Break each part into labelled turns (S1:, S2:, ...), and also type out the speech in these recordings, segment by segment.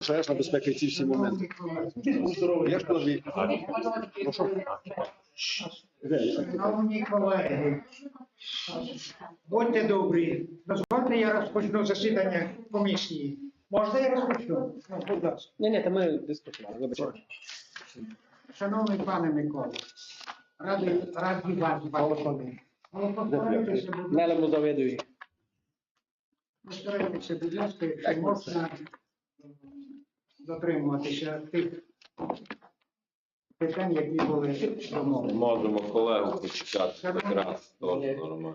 S1: пожежна безпека і ці всі моменти. Я ж коли... Прошу.
S2: Шановні колеги, будьте добрі, дозвольте я розпочну засідання комісії. Можна я розпочну? Будь ласка.
S3: Ні, то ми дискутували, вибачайте.
S2: Шановний пане Микола, раді вас бачити. Але постарайтеся, будь ласка,
S3: Нелему завідує.
S2: постарайтеся, будь ласка, якщо можна дотримуватися тих питань, які були домовлені.
S4: Можемо колегу почекати якраз, теж нормально.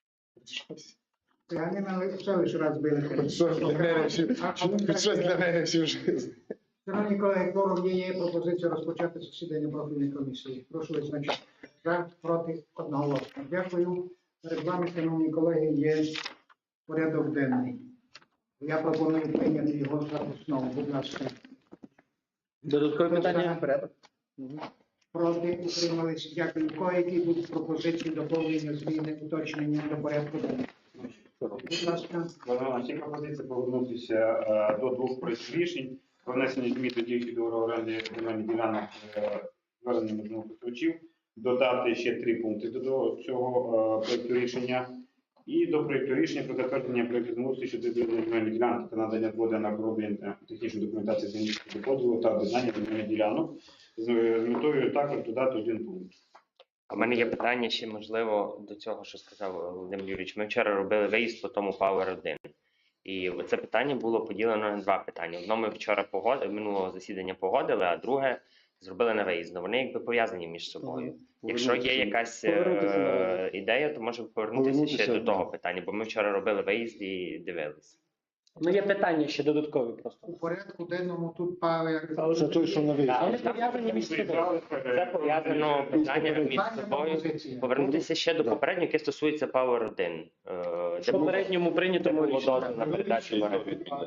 S2: Я не все лише раз били.
S1: Щось для мене всю життя.
S2: Шановні колеги, форум є пропозиція розпочати засідання профільної комісії. Прошу визначити за, проти, одноголосно. Дякую. Перед вами, шановні колеги, є порядок денний. Я пропоную прийняти його за основу. Будь ласка.
S3: Додаткові питання?
S2: Порядок. Проти, утримались. Дякую. Кого які будуть пропозиції, доповнення, зміни, уточнення до порядку денного? Будь ласка.
S5: Ці пропозиції повернутися до двох проєктів рішень про внесення змін до діючих договорів оренди земельних ділянок зверненнями землекористувачів, додати ще 3 пункти до цього проєкту рішення і до проєкту рішення про затвердження проєкту землеустрою щодо земельних ділянок та надання згоди на розроблення технічної документації земельного поділу та об'єднання земельних ділянок з метою також додати 1 пункт.
S6: У мене є питання ще, можливо, до цього, що сказав Володимир Юрійович. Ми вчора робили виїзд по тому Power 1. І це питання було поділено на 2 питання. Одно ми вчора минулого засідання погодили, а друге зробили на виїзд. Вони якби пов'язані між собою. Якщо є якась ідея, то можемо повернутися ще до того питання, бо ми вчора робили виїзд і дивилися.
S3: Ну, є питання ще додаткові просто.
S2: У порядку денному тут Павер.
S1: Це той, що на виїзд.
S3: Вони пов'язані між собою.
S6: Це пов'язано питання між собою. Повернутися ще до попереднього, яке стосується Power 1.
S3: В попередньому прийнятому
S6: було
S3: рішенні.
S6: дозвіл на передачу в оренду.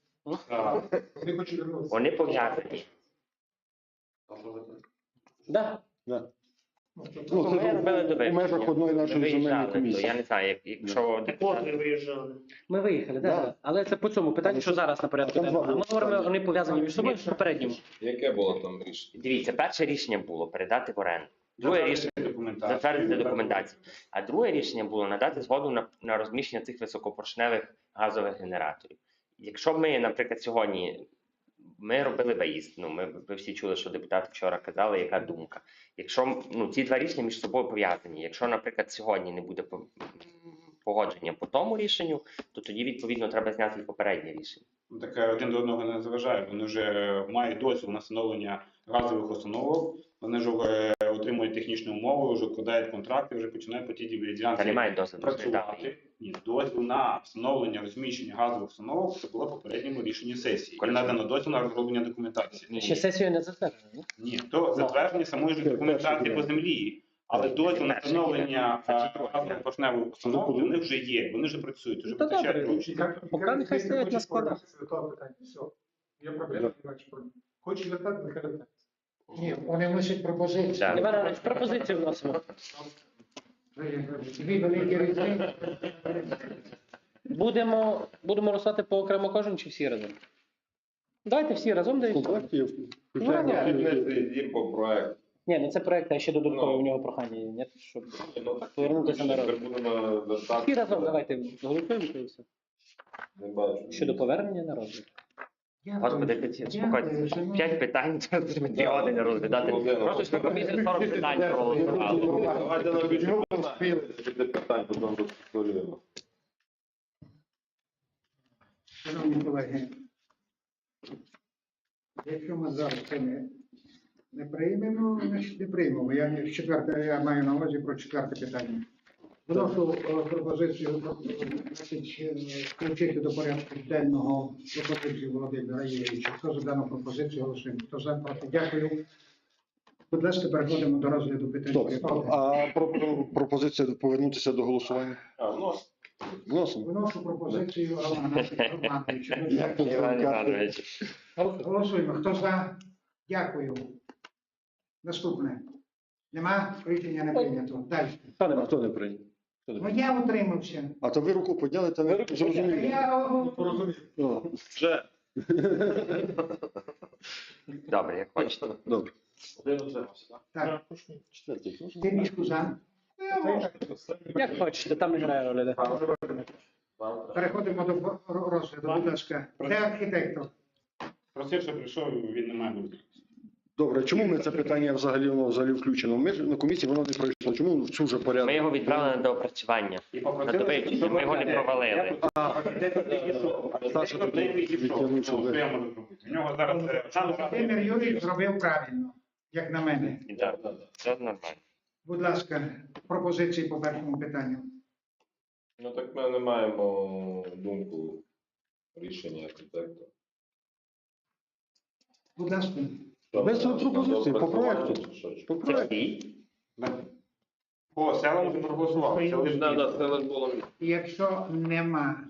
S6: Вони пов'язані.
S3: Да.
S1: Да.
S6: Ну, ми робили до
S1: у межах одної нашої земельної
S6: виїжджали, то
S1: комісії.
S6: я не знаю, якщо
S3: Ми виїхали, да. Але це по цьому питанню, що зараз на порядку
S1: Там
S3: денному. А ми
S1: два.
S3: говоримо, вони пов'язані між собою в попередньому.
S4: Яке було там рішення?
S6: дивіться, перше рішення було передати в оренду. Друге рішення затвердити документацію. А друге рішення було надати згоду на розміщення цих високопоршневих газових генераторів. Якщо ми, наприклад, сьогодні ми робили виїзд, ви всі чули, що депутати вчора казали, яка думка. Якщо ці 2 рішення між собою пов'язані, якщо, наприклад, сьогодні не буде погодження по тому рішенню, то тоді, відповідно, треба зняти і попереднє рішення.
S5: Так один до одного не заважає. Вони вже мають дозвіл на встановлення газових установок, вони вже отримують технічну умову, вже вкладають контракти, вже починають по тій ділянці
S6: Та немає дозволу
S5: працювати. Ні, дозвіл на встановлення, розміщення газових установок це було в попередньому рішенні сесії. І надано дозвіл на розроблення документації.
S3: Ще сесію не затверджено, ні?
S5: Ні, то затвердження самої ж документації по землі. Але дозвіл на встановлення газопоршневої установки вони вже є, вони вже працюють, вже
S3: Та
S5: вистачає
S3: добре.
S5: грошей.
S3: Поки нехай стоять на складах.
S7: Все. Є проблема, хочеш вертати, нехай вертати.
S2: Ні, вони вносять пропозиції.
S6: Так.
S3: Іван Іванович, пропозицію вносимо.
S2: Дві великі різниці.
S3: Будемо розслати по окремо кожен чи всі разом? Давайте всі разом даємо.
S1: Контрактів.
S4: Є по проекту.
S3: Ні, не це проект, а ще додаткове у нього прохання. Ні, щоб повернутися на розгляд.
S4: Будемо вертати.
S3: Всі разом давайте голосуємо і все.
S4: Не бачу.
S3: Щодо повернення на розгляд.
S6: Господи, спокойтеся. 5 питань, треба 2 години розглядати. Просто ж на комісії 40 питань проголосували.
S4: Давайте на бюджет питань, потім розповімо.
S2: Шановні колеги, якщо ми зараз це не приймемо, значить не приймемо. Я маю на увазі про 4 питання. Вношу пропозицію включити до порядку денного пропозицію Володимира Юрійовича. Хто за дану пропозицію голосуємо? Хто за, проти? Дякую. Будь ласка, переходимо до розгляду питань.
S1: Стоп. А пропозиція повернутися до голосування? Вносимо.
S2: Вношу пропозицію Романа Романовича.
S6: Іван Іванович.
S2: Голосуємо. Хто за? Дякую. Наступне. Нема? Рішення не прийнято. Далі.
S1: Хто не прийняв?
S2: Ну я утримався.
S1: А то ви руку підняли, та ви зрозуміли.
S2: Я
S1: Вже
S6: Добре, як хочете.
S1: Добре.
S2: Так,
S1: Четвертий. можна?
S2: Тимішку за.
S3: Як хочете, там не грає роли.
S2: Переходимо до розгляду. Будь ласка, де архітектор?
S5: Просив, що прийшов, він не має бути.
S1: Добре, чому ми це питання взагалі, воно взагалі включено? Ми ж на комісії воно не пройшло. Чому в цю вже порядок?
S6: Ми його відправили на доопрацювання.
S5: І
S6: На
S5: попросили,
S6: довивчення, ми його не провалили.
S1: Саша тут відтягнув, що ви-
S5: Що я можу зробити? У нього зараз
S2: Володимир Юрійович зробив правильно, як на мене.
S6: Так, це нормально.
S2: Будь ласка, пропозиції по першому питанню.
S4: Ну так ми не маємо думку рішення архітектора.
S2: Будь ласка.
S1: Без пропозиції, по проекту.
S4: Чи що?
S1: По
S6: Це
S1: проекту.
S6: всі?
S5: О, села вже проголосували. Це лише
S4: Це лише було
S2: І якщо нема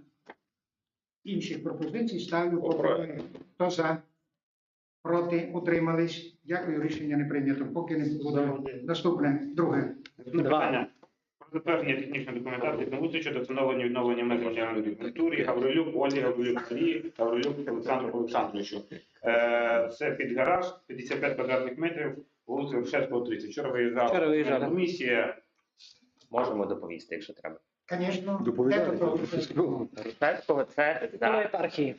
S2: інших пропозицій, ставлю
S4: По
S2: по
S4: проекту.
S2: проекту. Хто за? Проти? Утримались? Дякую, рішення не прийнято. Поки не буде. Наступне, друге.
S5: питання. Про затвердження технічної документації землеустрою щодо встановлення і відновлення меж державної культури Гаврилюк, Ольги Гаврилюк, Марії, Гаврилюк Олександру Олександровичу. Це під гараж, 55 квадратних метрів, вулиця Грушевського, 30. Вчора
S3: Вчора виїжджали.
S5: комісія.
S6: Можемо доповісти, якщо треба.
S2: Звісно,
S1: Доповідає.
S6: Рушевського це
S3: До
S6: за
S3: епархії.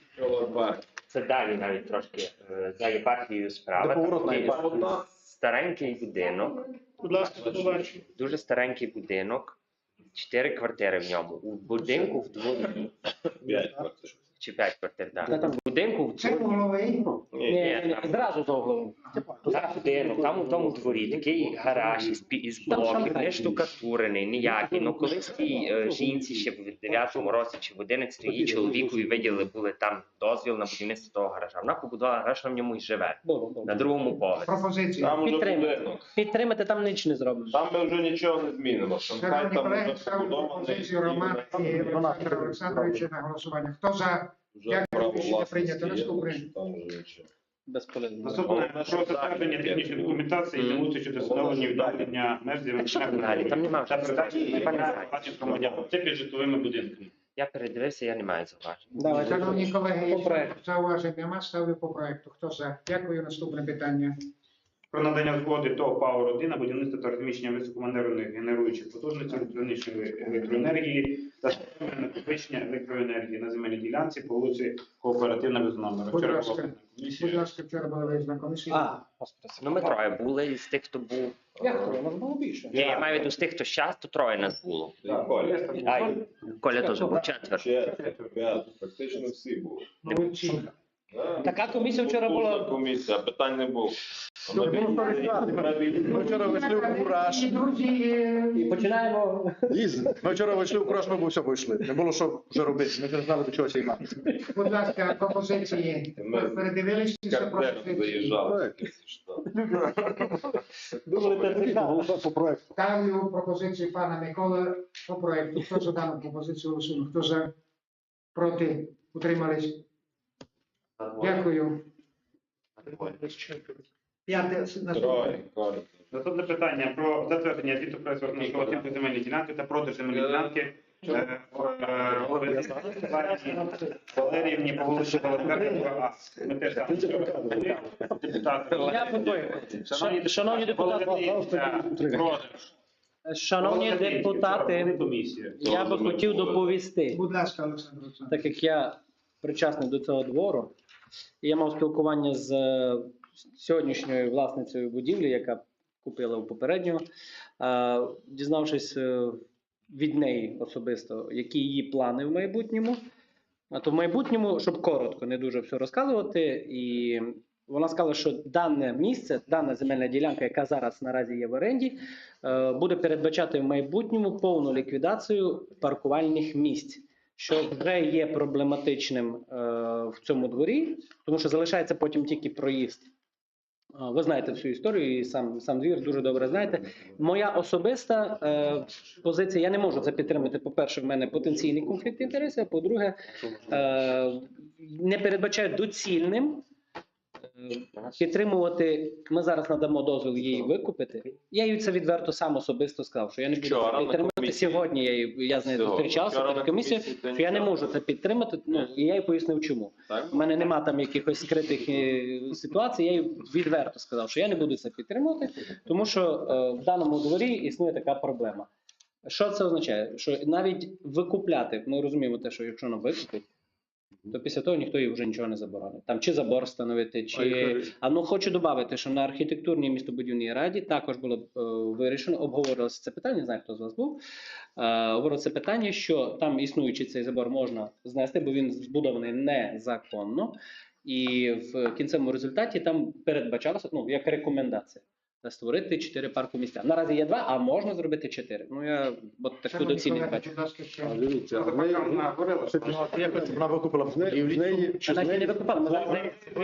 S6: це далі навіть трошки за єпархією справа.
S1: До поворотної
S6: Такий
S1: єпархії.
S6: старенький будинок,
S2: Будь ласка, побачу.
S6: дуже старенький будинок, 4 квартири в ньому. У будинку в дворі,
S4: 5 квартир.
S6: чи 5 квартир,
S3: Та
S6: так.
S3: там-
S6: В будинку в
S2: Це
S6: дворі,
S2: головий.
S3: Ні, зразу за углом.
S6: там будинок, там у тому дворі такий гараж із блоків, не штукатурений, ніякий. Ну колись тій жінці ще в 9-му році чи в 11-му її чоловікові виділи були там дозвіл на будівництво того гаража. Вона побудувала гараж, вона в ньому і живе.
S3: Було.
S6: На другому поверсі.
S2: Пропозиція.
S4: Там уже
S3: Підтримати.
S4: будинок.
S3: Підтримати там ніч не зробиш.
S4: Там ми вже нічого не змінимо. Там хай
S2: Шановні
S4: там
S2: колеги,
S4: вже
S2: ставлю
S4: побудований.
S2: пропозицію Романа і Олександра Олександровича на голосування. Хто за?
S4: Вже
S2: Дякую,
S4: право
S2: рішення
S4: власності
S2: прийнято.
S4: є,
S2: Наступне.
S4: так що там вже нічого.
S3: Безполезно.
S5: Наступне про затвердження технічної документації землеустрою щодо встановлення і відновлення меж
S6: Далі, там нема
S5: та
S6: вже.
S5: передачі
S6: Хіба не
S5: майна
S6: знаю.
S5: власних громадян. Це під житловими будинками.
S6: Я передивився, я не маю зауважень.
S3: Давайте.
S2: Шановні колеги,
S3: По
S2: якщо
S3: проекту.
S2: зауважень нема, ставлю по проекту. Хто за? Дякую. Наступне питання.
S5: Про надання згоди ТОВ «Пауер-1» на будівництво та розміщення високоманеврених генеруючих потужностей електричної електроенергії та системи накопичення електроенергії на земельній ділянці по вулиці Кооперативна без номера.
S2: Будь
S5: Вчора
S2: ласка.
S5: була
S2: Будь
S5: комісія.
S2: ласка, вчора була виїзна комісія.
S3: А, господи.
S6: Ну, ми троє були із тих, хто був.
S3: Як то? У нас було більше.
S6: Ні, я маю в виду з тих, хто щас, то троє нас було.
S5: Так,
S4: Коля.
S6: А, і Коля теж був четверо.
S4: Ще 5, практично всі були.
S2: Молодці.
S3: Така комісія вчора була.
S4: Комісія, питань не було.
S1: Ми вчора вийшли в кураж.
S2: І, друзі,
S3: І починаємо.
S1: Ми вчора вийшли в кураж, ми все вийшли. Не було що вже робити. Ми вже знали, до чого займатися.
S2: будь ласка, пропозиції.
S4: Ми
S2: Передивилися ці
S4: Кардер
S2: пропозиції.
S4: заїжджали.
S1: Голосувати по проекту.
S2: Ставлю пропозицію пана Миколи по проекту. Хто за дану пропозицію голосує? Хто за? Проти? Утримались? Дякую. П'яте. Наступне.
S4: Троє, Коля.
S5: Наступне питання про затвердження звіту про розміщення оцінки земельної ділянки та продаж земельної ділянки голови Валеріївні по вулиці Володимира А. Ми теж там депутати.
S3: Я готовий. Шановні депутати,
S5: Продаж.
S3: шановні депутати,
S5: Комісія.
S3: я би хотів доповісти.
S2: Будь ласка, Олександр Олександрович.
S3: Так як я причасний до цього двору, і я мав спілкування з сьогоднішньою власницею будівлі, яка купила у попереднього, дізнавшись від неї особисто, які її плани в майбутньому. А то в майбутньому, щоб коротко, не дуже все розказувати, і вона сказала, що дане місце, дана земельна ділянка, яка зараз наразі є в оренді, буде передбачати в майбутньому повну ліквідацію паркувальних місць, що вже є проблематичним в цьому дворі, тому що залишається потім тільки проїзд. Ви знаєте всю історію і сам двір дуже добре знаєте. Моя особиста позиція, я не можу це підтримати. По-перше, в мене потенційний конфлікт інтересів, а по-друге, не передбачаю доцільним підтримувати, ми зараз надамо дозвіл її викупити. Я їй це відверто сам особисто сказав, що я не буду
S4: Вчора
S3: це
S4: на
S3: підтримати.
S4: комісії.
S3: Сьогодні я з нею
S4: Всього.
S3: зустрічався
S4: Вчора
S3: перед
S4: на
S3: комісією,
S4: комісії ти
S3: що я не
S4: нічого.
S3: можу це підтримати, і я їй пояснив чому.
S4: Так?
S3: У мене нема там якихось скритих ситуацій, я їй відверто сказав, що я не буду це підтримувати, тому що в даному дворі існує така проблема. Що це означає? Що навіть викупляти, ми розуміємо те, що якщо вона викупить, то після того ніхто їй вже нічого не заборонить. Там чи забор встановити, чи... хочу додати, що на архітектурній містобудівній раді також було вирішено, обговорювалося це питання, не знаю, хто з вас був, обговорювалося це питання, що там існуючий цей забор можна знести, бо він збудований незаконно, і в кінцевому результаті там передбачалося, як рекомендація, створити 4 паркомісця. Наразі є 2, а можна зробити 4. Я таку
S2: Шановні
S3: доцільність
S2: колеги,
S3: бачу.
S2: будь ласка, ще.
S1: А дивіться, в неї-
S5: Вона говорила, що
S1: вона викупила в неї, чи
S3: Вона ще не викупала, ми зараз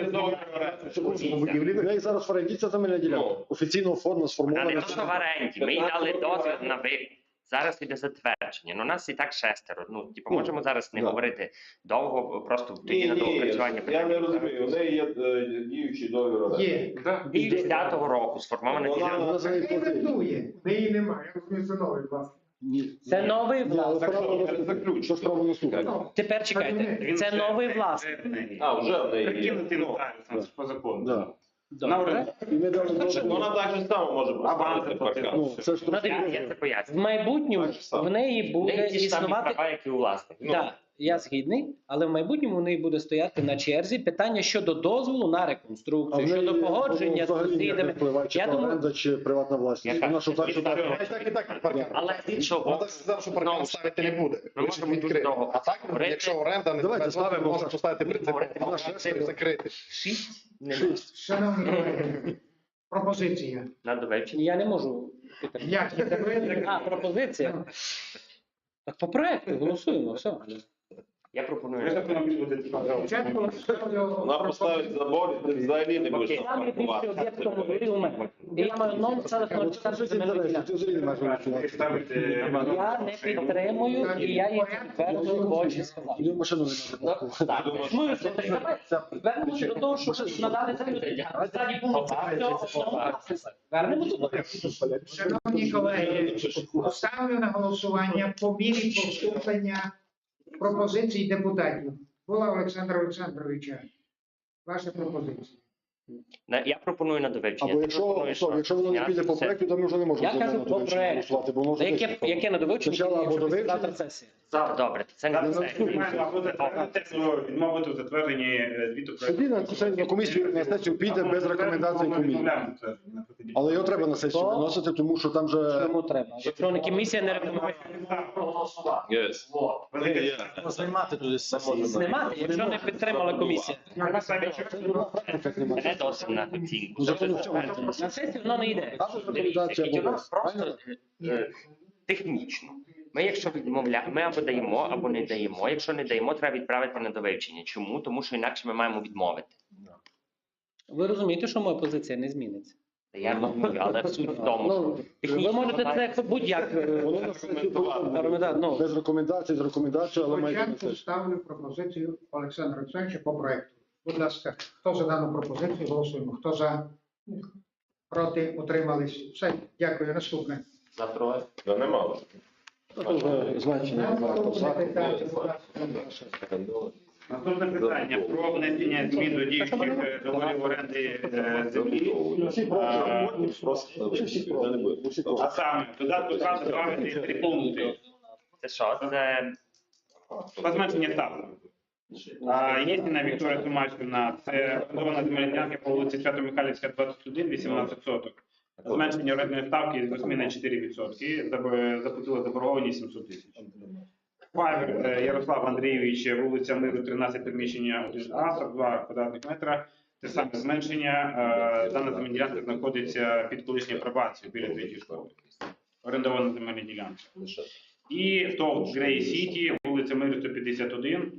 S1: в неї зараз в оренді ця земельна ділянка. Офіційно оформлена,
S6: Вона не
S1: сформована.
S6: просто в оренді. Ми їй дали дозвіл на викуп. Зараз іде затвердження. У нас і так 6. Можемо зараз не
S1: да.
S6: говорити довго, просто тоді
S4: Ні,
S6: на
S4: ні,
S6: доопрацювання.
S4: я не розумію. У неї є діючий договір оренди.
S2: Є.
S6: Дій 10-го року сформована
S4: Вона-
S6: ділянка.
S1: Вона за неї
S2: Не
S1: платить.
S2: рятує.
S7: Неї немає, я розумію, це новий власник.
S3: Це новий власник.
S1: Що ж право наступне?
S3: Тепер чекайте, це новий власник.
S4: А, вже в неї є.
S5: Прикинути нотаріус по закону.
S1: Да.
S5: На оренду.
S1: І ми дали дозвіл.
S4: Вона так же само може поставити
S5: Аванс
S4: паркан.
S1: Це ж
S3: Ну, дивіться,
S6: Я це
S3: в
S6: поясню.
S3: майбутньому в неї
S6: У
S3: буде
S6: неї ті ж самі
S3: існувати.
S6: права, як і у власника.
S3: Так, я згідний, але в майбутньому в неї буде стояти на черзі питання щодо дозволу на реконструкцію, щодо погодження з сусідами.
S1: Чи
S3: Я думаю-
S1: оренда, чи приватна власність.
S6: Яка?
S1: Вона що так, що так.
S6: Але з іншого боку,
S8: сказав, що
S6: знову
S8: паркан
S6: ж
S8: ставити
S6: таки,
S8: не буде.
S6: ми
S8: Лише
S6: можемо дуже
S8: відкрити.
S6: довго
S8: А так,
S6: говорити.
S8: якщо оренда не
S1: Давайте
S8: дозволить,
S1: ставимо
S8: можна поставити принцип
S6: Говорити про
S8: і закрити.
S6: 6 немає.
S2: Шановні колеги, пропозиція.
S6: На довивчення.
S3: Я не можу підтримати.
S2: Як є тебе?
S3: А, пропозиція. Так по проекту голосуємо, все.
S6: Я
S5: Ви
S6: пропоную.
S5: законом будете
S2: Спочатку ставлю
S4: Вона поставить забор, і ти взагалі не будеш
S6: Окей.
S3: Там найбільший об'єкт в тому дворі у мене. І я маю 0,04 земельної ділянки.
S1: Ти взагалі не маєш голосувати.
S5: ставити.
S3: Я не підтримую, і я їй відверто в очі сказав.
S1: І машину не треба.
S3: Ну, що ти вернемося до того, що надали землю. Ззаді було все, вернемося до того.
S2: Шановні колеги, ставлю на голосування по мірі поступлення пропозицій депутатів. Була Олександра Олександровича. Ваша пропозиція.
S6: Я пропоную на довивчення.
S1: Або
S6: Ти
S1: якщо
S6: пропонуєш,
S1: якщо воно не
S6: зняти
S1: піде по
S6: все.
S1: проекту, то ми вже не можемо
S3: Я
S1: за
S3: кажу
S1: мене
S3: по
S1: довивчення
S3: проекту.
S1: голосувати, бо воно вже
S3: Яке на довивчення,
S1: Спочатку або
S3: якщо
S1: довивчення.
S3: завтра сесія.
S6: Добре, це не все.
S5: Або затвердити, відмовити у затвердженні звіту
S1: Тоді на сесію- на комісію на сесію піде без рекомендацій комісії. Але його треба на сесію
S3: То-
S1: виносити, тому що там вже
S3: Чому треба? Якщо не комісія не рекомендує
S8: Знімати туди
S3: знімати, якщо не підтримала комісія.
S1: практика немає.
S6: Не досить на оцінку.
S1: Закону в цьому.
S3: На сесію воно не йде.
S1: Або
S6: Дивіться,
S1: рекомендація,
S6: і у
S1: або
S6: нас
S1: без.
S6: просто технічно. Ми, якщо відмовляємо, ми або даємо, або не даємо. Якщо не даємо, треба відправити на довивчення. Чому? Тому що інакше ми маємо відмовити.
S3: Ви розумієте, що моя позиція не зміниться?
S6: Я розумію, але суть в тому, що
S1: Ну,
S3: Ви
S6: технічно
S3: можете
S6: має-
S3: це будь-як.
S1: воно на сесію повинно
S3: Ну,
S1: без рекомендацій, з рекомендацією, але має бути на
S2: Спочатку
S1: сесію.
S2: ставлю пропозицію Олександра Олександровича по проекту. Будь ласка, хто за дану пропозицію, голосуємо. Хто за? Проти? Утримались? Все, дякую. Наступне.
S4: За троє. Та нема.
S1: Це вже значення.
S2: Наступне питання, будь ласка.
S5: Наступне питання про внесення змін до діючих договорів оренди землі.
S1: Всі проти.
S4: Просто
S1: Всі проти. Всі проти.
S5: А саме, додатку 2 добавити 3 пункти.
S6: Це що? Це
S5: Позначення ставки. Єдина Вікторія Томашківна, це орендована земельна ділянка по вулиці Свято-Михайлівська, 21, 18 соток. Зменшення орендної ставки з 8 на 4%. Заплатила заборгованість 700 тисяч. Файвер Ярослав Андрійович, вулиця Миру, 13, приміщення 1А, 42 квадратних метра. Те саме зменшення. Дана земельна ділянка знаходиться під колишньою пробацією біля третьої школи. Орендована земельна ділянка. І ТОВ Грей Сіті, вулиця Миру, 151,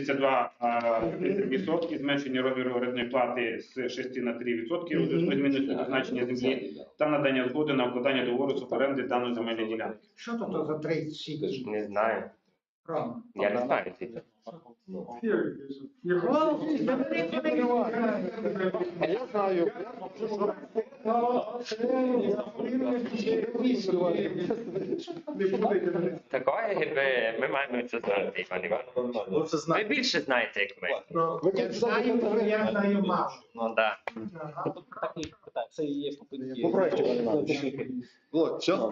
S5: 32 відсотки, зменшення розміру орендної плати з 6 на 3% у зв'язку з зміною призначення землі та надання згоди на укладання договору з оренди даної земельної ділянки.
S2: Що тут за 30?
S6: не знаю.
S2: Рома.
S6: Я не знаю. Це.
S8: знаю.
S6: Такої ми маємо це знати, Іван Іванович.
S8: Ви вже
S6: Ви
S8: знаєте.
S6: більше знаєте, як ми.
S2: Я знаю мало.
S6: Ну так.
S3: Такі питання. Це і є попитки.
S1: По проекту, Іван Іванович. Вот, все?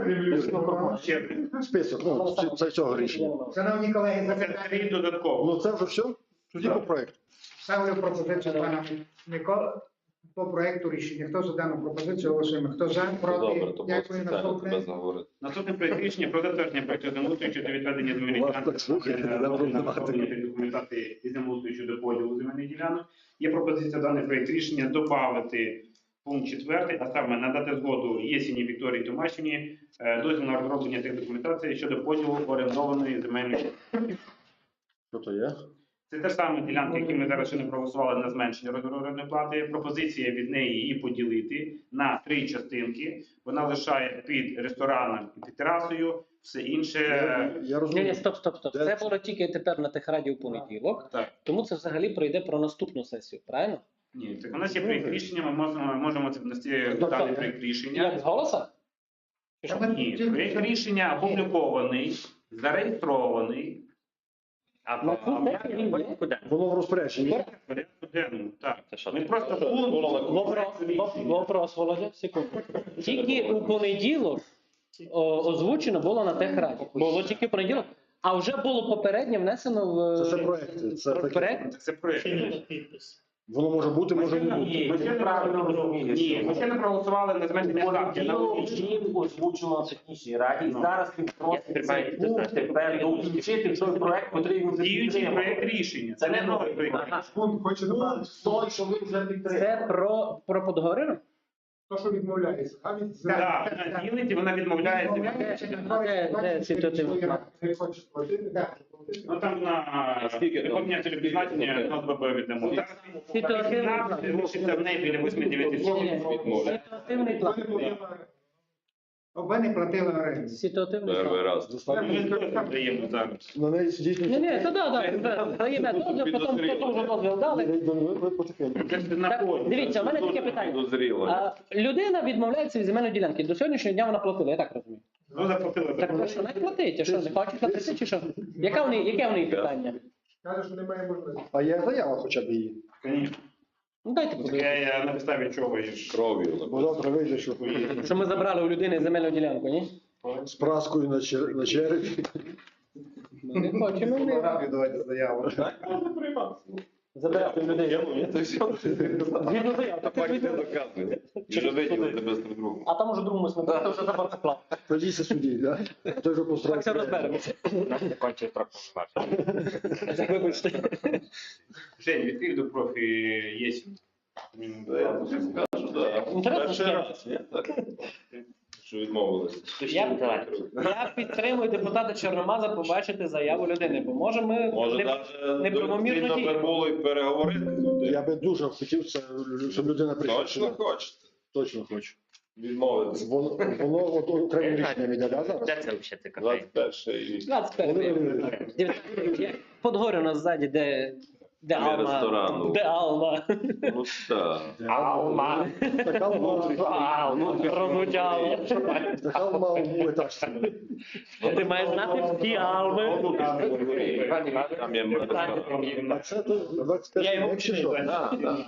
S1: Список, ну, це цього рішення.
S2: Шановні колеги,
S5: Це
S2: запитання.
S5: три додатково.
S1: Ну, це вже все? Тоді по проекту.
S2: Ставлю пропозицію пана Микола по проекту рішення. Хто за дану пропозицію голосуємо? Хто за, проти? Дякую. Наступне.
S5: Наступне проект рішення про затвердження проекту землеустрою щодо відведення земельних
S1: Вас
S5: ділянок
S1: так слухайте, треба розуміти.
S5: документації і землеустрою щодо поділу земельних ділянок. Є пропозиція даний проект рішення додати пункт 4, а саме надати згоду Єсіні Вікторії Томашині дозвіл на розроблення тих документацій щодо поділу орендованої земельної ділянки.
S1: Що то є?
S5: Це те ж саме ділянки, які ми зараз ще не проголосували на зменшення розміру орендної плати. Пропозиція від неї її поділити на 3 частинки. Вона лишає під рестораном і під терасою, все інше.
S1: Я
S3: Ні,
S1: розумію.
S3: ні, стоп.
S1: Де
S3: Це
S1: це?
S3: було тільки тепер на техраді у понеділок.
S5: Так.
S3: Тому це взагалі пройде про наступну сесію, правильно?
S5: Ні, так у нас є проєкт рішення, ми можемо це внести в
S3: Тобто,
S5: даний проєкт рішення.
S3: Як з голоса? Чи що?
S5: Ні, проєкт рішення опублікований, зареєстрований.
S6: А
S3: Ну,
S6: по
S3: це він є.
S6: куди?
S1: Воно в розпорядженні.
S5: В порядку денному, так.
S6: Це що
S5: Ми
S6: таке?
S5: просто
S3: Вопрос, Володя, секунду. Тільки у понеділок озвучено було на техраді. Було тільки в понеділок, а вже було попередньо внесено в
S1: Це проекти. Це таке.
S3: проект.
S5: Це проєкт.
S1: Воно може бути, може не бути.
S5: Ми ще правильно розуміємо. Ні, ми ще не проголосували на зменшення ставки.
S9: Озвучено на технічній раді. І зараз він просить
S6: тримаю
S9: цей
S6: підпис.
S9: пункт тепер долучити в той проект, який він вже
S5: Діючий
S9: підтримав.
S5: проєкт рішення.
S9: Це не новий
S5: проєкт.
S9: проект.
S7: Пункт хоче добавити.
S9: Той, що ви вже підтримали.
S3: Це про подговорину?
S7: То, що відмовляється. А від
S5: Так, вона ділить і вона відмовляється.
S3: Де ситуативний план?
S7: не хоче платити.
S5: Ну там на виконання телепізнання на ОСББ віддамо.
S3: Ситуативний план.
S5: Лишиться в неї біля 8-9 сотень.
S3: Ситуативний план.
S2: Оба не платили оренду.
S3: Ситуативний план.
S5: Ми даємо зараз.
S1: На неї сидіть
S3: Ні, ні, то даємо дозвіл, потім вже дозвіл дали.
S1: Потихеньку.
S5: Це ж на
S3: Так,
S5: полі.
S3: дивіться, у мене таке питання. А, людина відмовляється від земельної ділянки. До сьогоднішнього дня вона платила, я так розумію.
S5: Ну, заплатили.
S3: Так ну, що не платить, а що, не хочуть платити чи що? Яке в неї питання?
S7: Каже, що немає можливості.
S1: А є заява хоча б її.
S5: Конечно.
S3: Ну дайте подивитися.
S5: Я на підставі чого є.
S1: Бо завтра вийде, що
S3: Що ми забрали у людини земельну ділянку, ні?
S1: з праскою на черепі.
S3: Ми не хочемо.
S8: Давайте заяву.
S3: Забирати у людей. Згідно заяв, так
S4: Так не
S3: відповідно.
S4: доказує. Вже виділити без друг другу.
S3: А там уже другому смерть, це вже забор склав.
S1: Тоді судді, так? Той же
S3: Так
S1: построїть.
S3: все розберемося.
S6: У нас не кончив строк повноважень.
S3: Вибачте.
S5: Жень, відкрив до профі єсмь.
S4: Я тобі скажу, так.
S3: Інтересно,
S4: Перший
S3: що?
S4: раз, ні? Так. Що відмовилися.
S3: Я підтримую депутата Чорномаза побачити заяву людини, бо може ми
S4: Може,
S3: не
S4: навіть
S3: правомірно
S4: доцільно
S3: діємо.
S4: було і переговорити з людьми.
S1: Я би дуже хотів, щоб людина прийшла.
S4: Точно хочете?
S1: Точно хочу.
S4: Відмовитися.
S1: Воно от окремим рішенням іде, да, зараз?
S6: Де це взагалі ти кафе?
S4: 21 рік.
S3: 21. Подгорюно ззаді, де
S4: Біля ресторану.
S3: Алма. Де Алма.
S4: Ну так.
S6: Алма.
S1: Така
S3: Розвучало.
S1: Така мав етаж.
S3: Ти маєш знати всі Алми.
S4: Там є ресторан.
S1: А це то 21
S3: Я його
S1: рік чи що?
S4: Так, так.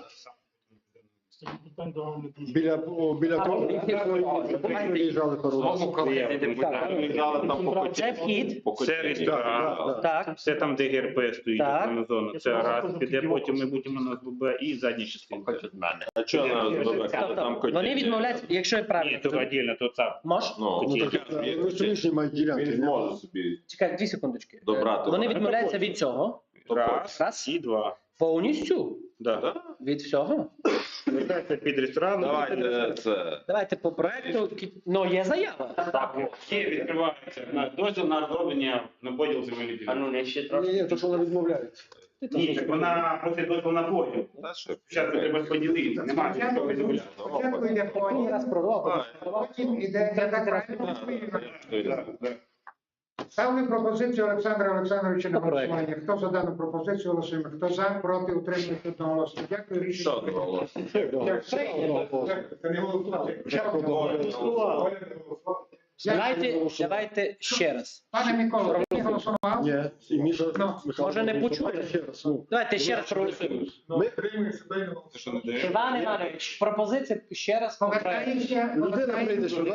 S1: Біля того, виїжджали пару разів.
S6: Знову коли ти депутат.
S4: Лежали там по
S3: Це вхід.
S5: Це ресторан.
S3: Так.
S5: Все там, де ГРП стоїть,
S3: Так.
S5: основна зона. Це раз. Піде потім ми будемо на СББ і задня частина.
S6: Хоч від мене.
S4: А чого на ОСББ, коли там
S3: Тобто, вони
S4: котельні?
S3: відмовляються, якщо я
S5: Ні,
S3: правильно.
S5: то віддільно, то це.
S3: Мож?
S4: Ну,
S1: Ну,
S4: я
S1: так,
S4: ж є
S1: ну, сумішні мають ділянки.
S4: Він зможе собі
S3: Чекай, 2 секундочки.
S4: добрати.
S3: Вони відмовляються від цього.
S5: Раз
S3: Раз.
S5: і два.
S3: Повністю.
S5: Да.
S3: Від всього.
S5: Вертається під ресторан.
S4: Давайте це.
S3: Давайте по проекту. Ну, є заява.
S5: Є, відкривається на дозвіл на розроблення на поділ земельних
S6: А
S5: ділянок.
S6: ну не ще трохи.
S1: Ні, то що вона відмовляється.
S5: Ні, так вона просить дозвіл на поділ.
S4: Та що?
S5: Зараз треба поділити. Немає що відмовляти.
S2: Спочатку йде по
S3: Раз продавав.
S2: потім іде
S5: Так, так.
S2: Ставлю пропозицію Олександра Олександровича на
S3: По проекту.
S2: голосування. Хто за дану пропозицію голосуємо? Хто за, проти, утримується одноголосно. Дякую, рішення. прийнято.
S7: Це не голосувати.
S3: Давайте ще раз.
S2: Пане Микола, ти не голосував?
S1: Ні, і Міша
S2: Ну,
S1: Михайло,
S3: може, не почули?
S1: ще раз. Ну,
S3: Давайте ще раз проголосуємо.
S7: Ми тримаємо себе на
S5: Це що не дає?
S3: Іван Іванович, пропозиція ще раз по проекту.
S2: Повертаємося.
S1: людина прийде сюди.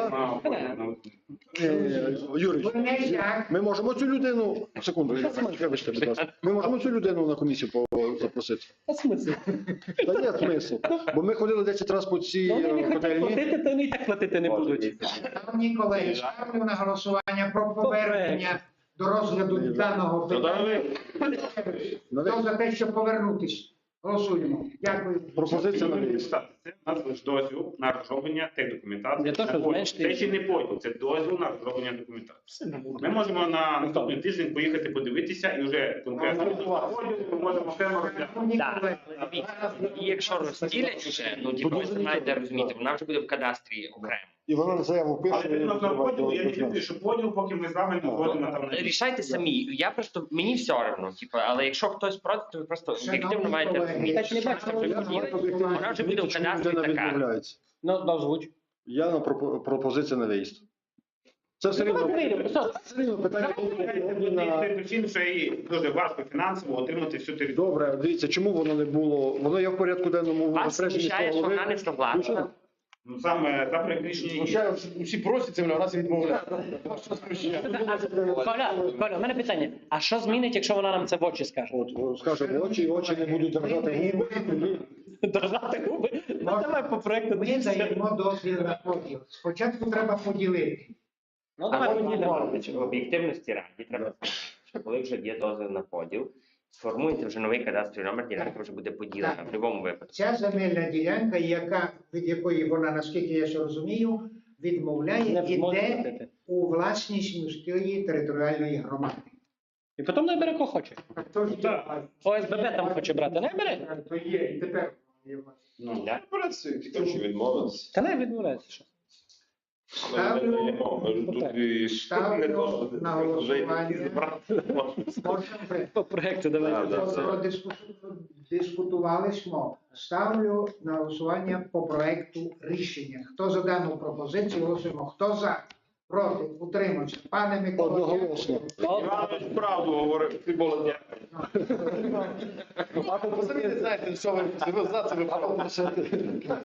S1: Юрій,
S2: Ви не як.
S1: ми можемо цю людину, секунду, вибачте, будь ласка. Ми можемо цю людину на комісію запросити.
S3: А смисл?
S1: Та є смисл. Бо ми ходили 10 разів по цій
S3: Вони не хочуть
S1: котельні.
S3: платити, то вони і так платити не будуть.
S2: Шановні колеги, ставлю на голосування про повернення до розгляду даного питання. Хто за те, щоб повернутись? Голосуємо. Дякую.
S1: Пропозиція на виїзд.
S5: Це у нас лише дозвіл на розроблення тих документацій.
S3: Для того, щоб
S5: На поділ.
S3: зменшити-
S5: Це ще не поділ, це дозвіл на розроблення документації. Ми можемо на наступний тиждень поїхати подивитися і вже конкретно ми можемо окремо розглянути.
S2: Шановні
S6: Так,
S2: колеги,
S6: і якщо розділять вже, ну типу, ви знаєте, розумієте, вона вже буде в кадастрі окремо.
S1: І вона заяву пише.
S5: Але відносно поділу, я не люблю, що поділ, поки ми з вами не згодимо там на
S6: Рішайте самі. Я просто мені все одно, типу, але якщо хтось проти, то ви просто об'єктивно маєте розуміти.
S3: Так не бачу,
S6: що вже поділять, вона вже буде в кадастрі така.
S1: відмовляється.
S3: Ну, озвуч.
S1: Я на пропозиція на виїзд. Це все рівно.
S3: Давайте вийдемо. Все.
S1: Все рівно питання на...
S5: причин, що їй дуже важко фінансово отримати всю територію.
S1: Добре, дивіться, чому воно не було? Воно є в порядку денному
S6: Вас
S1: розпорядженні
S6: смущає, що
S1: голови.
S6: вона не согласна.
S5: Ну саме за проект рішення є.
S8: Всі просять землю, а нас відмовляють.
S3: Коля, у мене питання. А що змінить, якщо вона нам це в очі скаже?
S1: От, скаже, в очі не будуть держати губи.
S3: Держати губи? Ну, давай по проекту.
S2: ми даємо дозвіл на поділ. Спочатку треба поділити.
S3: Ну, давай
S6: Але
S3: поділимо.
S6: в об'єктивності раді треба сказати, що коли вже є дозвіл на поділ, сформуйте вже новий кадастровий номер, ділянка вже буде поділена в будь-якому випадку.
S2: Ця земельна ділянка, від якої вона, наскільки я ще розумію, відмовляє,
S3: Не може
S2: іде
S3: платити.
S2: у власність міської територіальної громади.
S3: І потім не бере, кого хоче.
S5: Так.
S3: ОСББ там хоче брати, не бере.
S2: То є, і тепер є власність.
S5: Ну,
S6: Да?
S4: Працює, тільки що відмовилися.
S3: Та не відмовляється. Що?
S4: Ми не даємо. Ми ж тут і
S2: Ставлю
S4: не то, що
S2: на
S4: вже йти
S2: голосування.
S4: збирати.
S2: Можемо
S3: По проекту давайте.
S2: Дискутували smo. Ставлю на голосування по проекту рішення. Хто за дану пропозицію голосуємо? Хто за? Проти? Утримався. Пане Микола.
S1: Одноголосно.
S5: Іванович правду говорив, ти молодець.
S8: А ви самі не знаєте, що ви за це ви